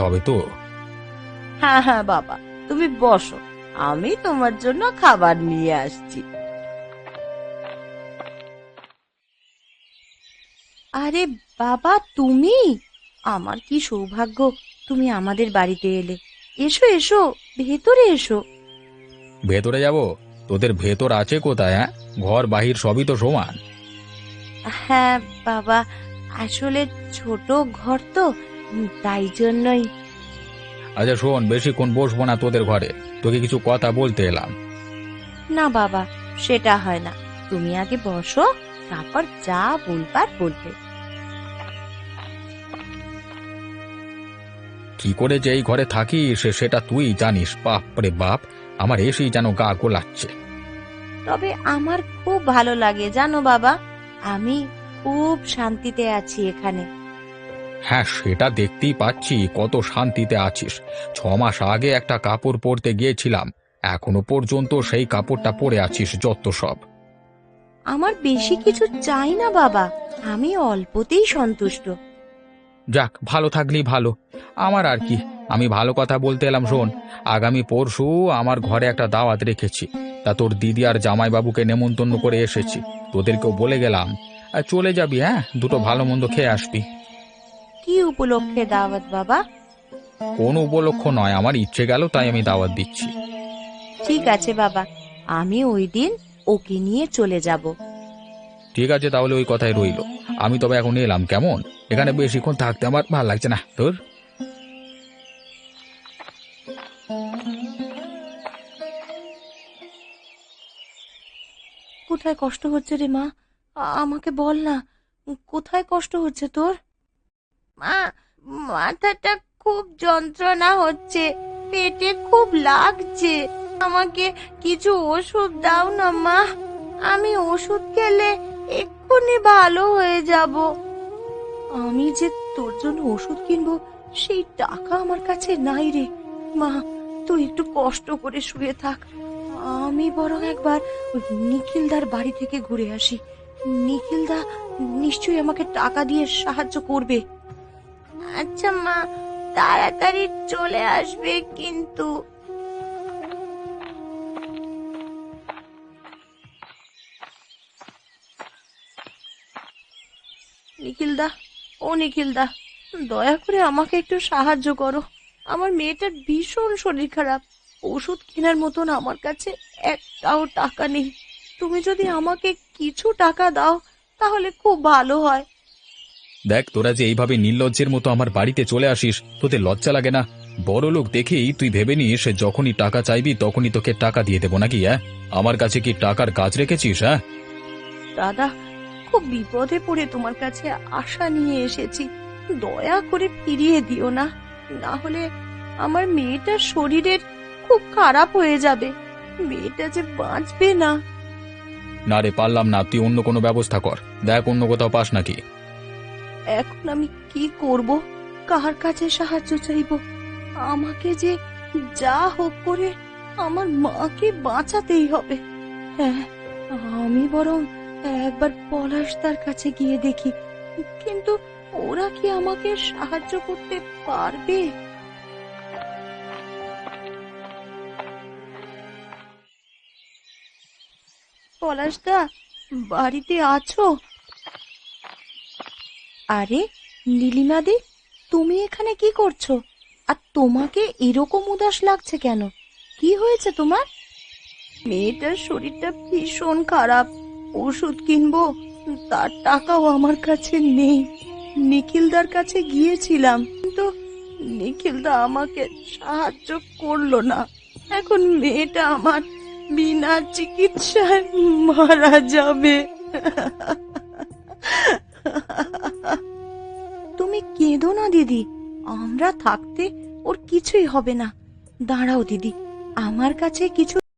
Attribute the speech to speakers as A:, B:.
A: হবে তো।
B: হ্যাঁ হ্যাঁ বাবা, তুমি বসো, আমি তোমার জন্য খাবার নিয়ে আসছি। আরে বাবা, তুমি! আমার কি সৌভাগ্য, তুমি আমাদের বাড়িতে এলে। এসো এসো, ভেতরে এসো।
A: ভেতরে যাব? তোদের ভেতর আছে কোথায়? হ্যাঁ, ঘর বাহির সবই তো সমান।
B: হ্যাঁ বাবা, আসলে ছোট ঘর তো, তাই জন্যই।
A: আচ্ছা শোন, বেশিক্ষণ বসবো না তোদের ঘরে, তোকে কিছু কথা বলতে এলাম।
B: না বাবা, সেটা হয় না, তুমি আগে বসো, তারপর যা বলবার বলবে।
A: কি করে যে এই ঘরে থাকিস সেটা তুই জানিস। বাপ রে বাপ, আমার এসেই যেন গা গোলাচ্ছে।
B: তবে আমার খুব ভালো লাগে জানো বাবা, আমি খুব শান্তিতে আছি এখানে।
A: হ্যাঁ, সেটা দেখতেই পাচ্ছি কত শান্তিতে আছিস। 6 মাস আগে একটা কাপড় পরতে গিয়েছিলাম, এখনো পর্যন্ত সেই কাপড়টা পরে আছিস যত সব।
B: আমার বেশি কিছু চাই না বাবা, আমি অল্পতেই সন্তুষ্ট।
A: যাক, ভালো থাকলেই ভালো। আমার আর কি, আমি ভালো কথা বলতে এলাম। শোন, আগামী পরশু আমার ঘরে একটা দাওয়াত রেখেছি। তা তোর দিদি আর জামাইবাবুকে নেমন্তন্ন করে এসেছি, তোদেরকেও বলে গেলাম। আর চলে যাবি, হ্যাঁ, দুটো ভালো মন্দ খেয়ে আসবি।
B: কি উপলক্ষে দাওয়াত বাবা?
A: কোনো উপলক্ষ নয়, আমার ইচ্ছে গেল তাই আমি দাওয়াত দিচ্ছি।
B: ঠিক আছে বাবা, আমি ওই দিন ওকে নিয়ে চলে যাব।
A: ঠিক আছে, তাহলে ওই কথাই রইলো। আমি তবে এখন এলাম, কেমন? এখানে বেশিক্ষণ থাকতে আমার ভালো লাগছে না তোর।
B: কোথায় কষ্ট হচ্ছে রে মা? আমাকে বল না, কোথায় কষ্ট হচ্ছে তোর? মা, মাথাটা খুব যন্ত্রণা হচ্ছে, পেটে খুব লাগছে, আমাকে কিছু ওষুধ দাও না মা, আমি ওষুধ খেলে এক্ষুনি ভালো হয়ে যাব। আমি যে তোর জন্য ওষুধ কিনবো সেই টাকা আমার কাছে নাই রে মা, তুই একটু কষ্ট করে শুয়ে থাক, আমি বরং একবার ওই নিখিলদার বাড়ি থেকে ঘুরে আসি। নিখিলদা নিশ্চয়ই আমাকে টাকা দিয়ে সাহায্য করবে। আচ্ছা মা, তাড়াতাড়ি চলে আসবে কিন্তু। নিখিলদা, ও নিখিলদা, দয়া করে আমাকে একটু সাহায্য করো, আমার মেয়েটার ভীষণ শরীর খারাপ, ওষুধ কেনার মতন আমার কাছে একটাও টাকা নেই, তুমি যদি আমাকে কিছু টাকা দাও তাহলে খুব ভালো হয়।
A: দেখ, তোরা যে এইভাবে নির্লজ্জের মতো আমার বাড়িতে চলে আসিস, তোদের লজ্জা লাগে না? বড় লোক দেখেই তুই ভেবে নিস যখনই টাকা চাইবি তখনই তোকে টাকা দিয়ে দেবো নাকি? হ্যাঁ, আমার কাছে কি টাকার গাছ রেখেছিস? হ্যাঁ,
B: দাদা, খুব বিপদে পড়ে তোমার কাছে আশা নিয়ে এসেছি, দয়া করে ফিরিয়ে দিও না, না হলে আমার মেয়েটার শরীরের খুব খারাপ হয়ে যাবে, মেয়েটা যে বাঁচবে না।
A: না রে, পারলাম না, তুই অন্য কোনো ব্যবস্থা কর, দেখ অন্য কোথাও পাস নাকি।
B: এখন আমি কি করব, কার কাছে সাহায্য চাইব? আমাকে যে যা হোক করে আমার মাকে বাঁচাতেই হবে। হ্যাঁ, আমি বরং একবার পলাশদার কাছে গিয়ে দেখি, কিন্তু ওরা কি আমাকে সাহায্য করতে পারবে? পলাশদা, বাড়িতে আছো? আরে নীলিমাদি, তুমি এখানে কি করছো? আর তোমাকে এরকম উদাস লাগছে কেন? কি হয়েছে তোমার? মেয়েটার শরীরটা ভীষণ খারাপ, ওষুধ কিনবো, তার টাকাও আমার কাছে নেই, নিখিলদার কাছে গিয়েছিলাম কিন্তু নিখিলদা আমাকে সাহায্য করলো না, এখন মেয়েটা আমার বিনা চিকিৎসায় মারা যাবে। তুমি কেঁদো না দিদি, আমরা থাকতে ওর কিছুই হবে না। দাঁড়াও দিদি, আমার কাছে কিছু